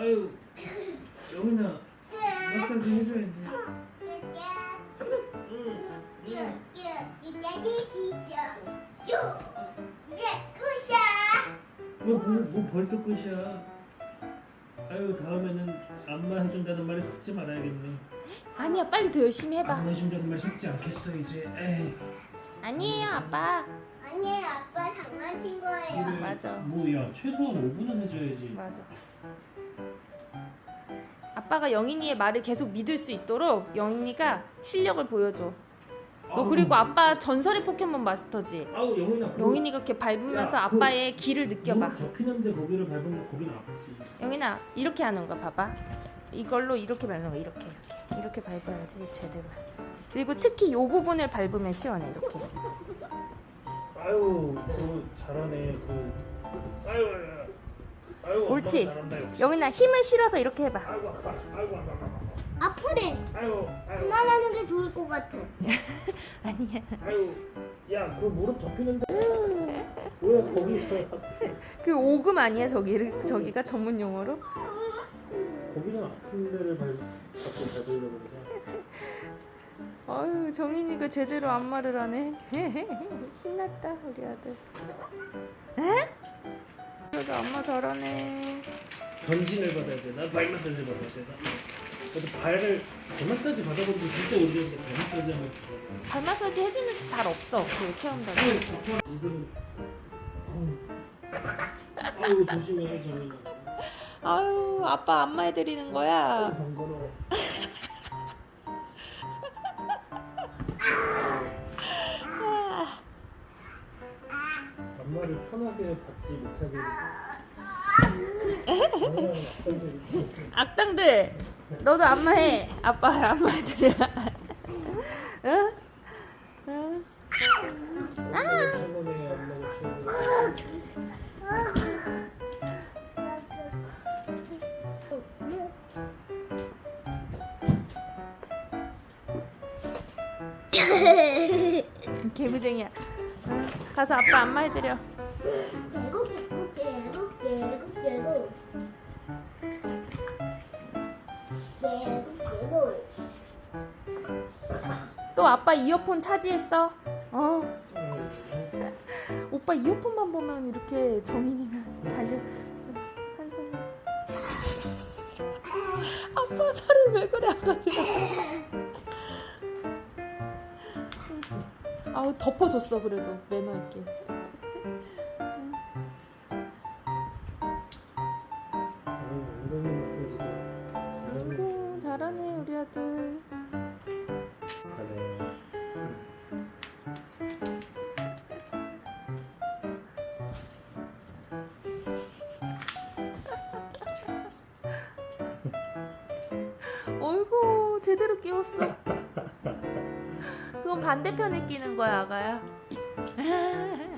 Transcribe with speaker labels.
Speaker 1: 아유, 영인아, 마사지 해줘야지. 뭐 벌써 끝이야? 아유, 다음에는 안마 해준다는 말에 속지 말아야겠네.
Speaker 2: 아니야, 빨리 더 열심히 해봐.
Speaker 1: 안마 해준다는 말 속지 않겠어 이제. 에이.
Speaker 2: 아니에요, 아빠.
Speaker 3: 아니에요, 아빠 장난친 거예요.
Speaker 1: 그래,
Speaker 2: 맞아.
Speaker 1: 뭐야, 최소한 5분은 해줘야지.
Speaker 2: 맞아. 아빠가 영인이의 말을 계속 믿을 수 있도록 영인이가 실력을 보여줘. 너
Speaker 1: 아우,
Speaker 2: 그리고 아빠 전설의 포켓몬 마스터지?
Speaker 1: 아우, 영인아.
Speaker 2: 영인이가 이렇게 밟으면서
Speaker 1: 야,
Speaker 2: 아빠의 길을 느껴봐.
Speaker 1: 물 접히는데 거기를 밟으면 거기는 아프지.
Speaker 2: 영인아, 이렇게 하는 거야, 봐봐. 이걸로 이렇게 밟는 거야, 이렇게 밟아야지 제대로. 그리고 특히 이 부분을 밟으면 시원해, 이렇게.
Speaker 1: 아유, 잘하네. 아유, 아유.
Speaker 2: 옳지.
Speaker 1: 엄마가 잘한다, 역시.
Speaker 2: 영인아, 힘을 실어서 이렇게 해봐.
Speaker 1: 아이고 아파. 아이고 아파.
Speaker 3: 아프대.
Speaker 1: 아유.
Speaker 3: 그만하는 게 좋을 것 같아.
Speaker 2: 아니야.
Speaker 1: 아유. 야, 그 무릎 접히는데. 왜 거기 있어?
Speaker 2: 그 오금 아니야, 저기가 전문 용어로?
Speaker 1: 거기는 아픈 데를 자꾸 밟으려고 그러냐.
Speaker 2: 아유, 정인이가 제대로 안마를 하네. 신났다, 우리 아들. 에? 그래도 안마 잘하네.
Speaker 1: 전진을 받아야 돼. 나 발 마사지 받아야 돼. 나도 발 마사지 받아본 지 진짜 오래됐는데 발 마사지 하면 좋아.
Speaker 2: 발 마사지 해주는 데 잘 없어, 그 체험단에.
Speaker 1: 이들은 아유 조심해 정인아.
Speaker 2: 아유, 아빠 안마해드리는 거야.
Speaker 1: 번거로워. 안마를 편하게 받지 못하게.
Speaker 2: 악당들, 너도 안마해. 아빠 안마해드려. 응? 응?
Speaker 1: 최고네 안마가 최고.
Speaker 2: 개구쟁이야. 응? 가서 아빠 안마해드려. 또 아빠 이어폰 차지했어. 오빠 이어폰만 보면 이렇게 정인이가 달려. 한 손에. 아빠 살을 왜 그래, 아가씨가. 아우, 덮어줬어. 그래도 매너 있게.
Speaker 1: 엉덩이 마사지도
Speaker 2: 아이고, 잘하네 우리 아들.
Speaker 1: 잘해.
Speaker 2: 어이구, 제대로 끼웠어. 그건 반대편에 끼는 거야, 아가야.